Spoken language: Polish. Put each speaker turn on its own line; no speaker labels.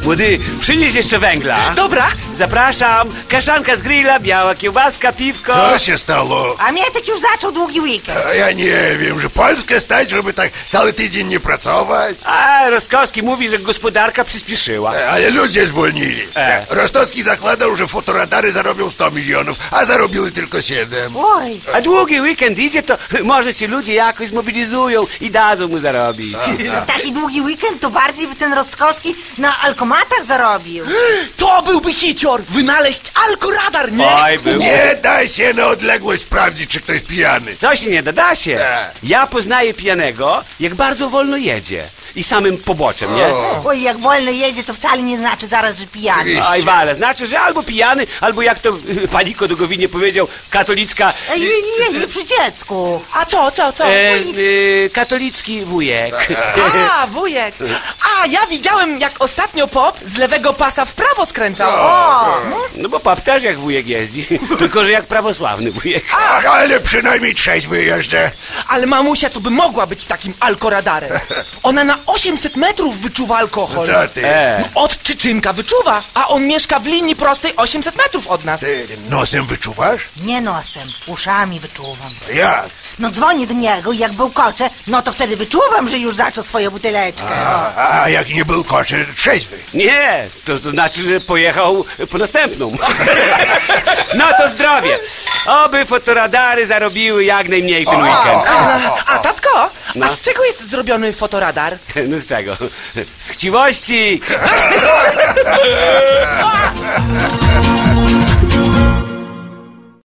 Młody, przynieś jeszcze węgla.
Dobra.
Zapraszam. Kaszanka z grilla, biała kiełbaska, piwko.
Co się stało?
A Mietek już zaczął długi weekend.
A ja nie wiem, że Polskę stać, żeby tak cały tydzień nie pracować.
A Rostkowski mówi, że gospodarka przyspieszyła.
Ale ludzie zwolnili. Rostowski zakładał, że fotoradary zarobią 100 milionów, a zarobiły tylko 7.
Oj,
A długi weekend idzie, to może się ludzie jakoś zmobilizują i dadzą mu zarobić.
w taki długi weekend to bardziej by ten Rostkowski na alkomatach zarobił.
To byłby hicior. Wynaleźć alkoradar, nie?
Oj, był.
Nie daj się na odległość sprawdzić, czy ktoś pijany.
To się nie da się.
Tak.
Ja poznaję pijanego, jak bardzo wolno jedzie. I samym poboczem, nie?
Oj, jak wolno jedzie, to wcale nie znaczy zaraz, że pijany.
Oczywiście.
Oj, wale, znaczy, że albo pijany, albo jak to pani Kodogowinie powiedział, katolicka...
Ej, nie przy dziecku.
A co?
Katolicki wujek.
A, wujek. A, ja widziałem, jak ostatnio pop z lewego pasa w prawo skręcał.
No bo pap też jak wujek jeździ, tylko że jak prawosławny wujek.
Ale przynajmniej trzeźwy jeżdżę.
Ale mamusia to by mogła być takim alkoradarem. Ona na 800 metrów wyczuwa alkohol.
Co ty?
No, od Czyczynka wyczuwa, a on mieszka w linii prostej 800 metrów od nas.
Ty nosem wyczuwasz?
Nie nosem, uszami wyczuwam.
Jak?
No dzwonię do niego i jak bełkocze, no to wtedy wyczuwam, że już zaczął swoją buteleczkę.
A jak nie był koczy, trzeźwy.
Nie, to znaczy, że pojechał po następną. No to zdrowie. Oby fotoradary zarobiły jak najmniej ten weekend.
A tatko,
No.
a z czego jest zrobiony fotoradar?
No z czego? Z chciwości.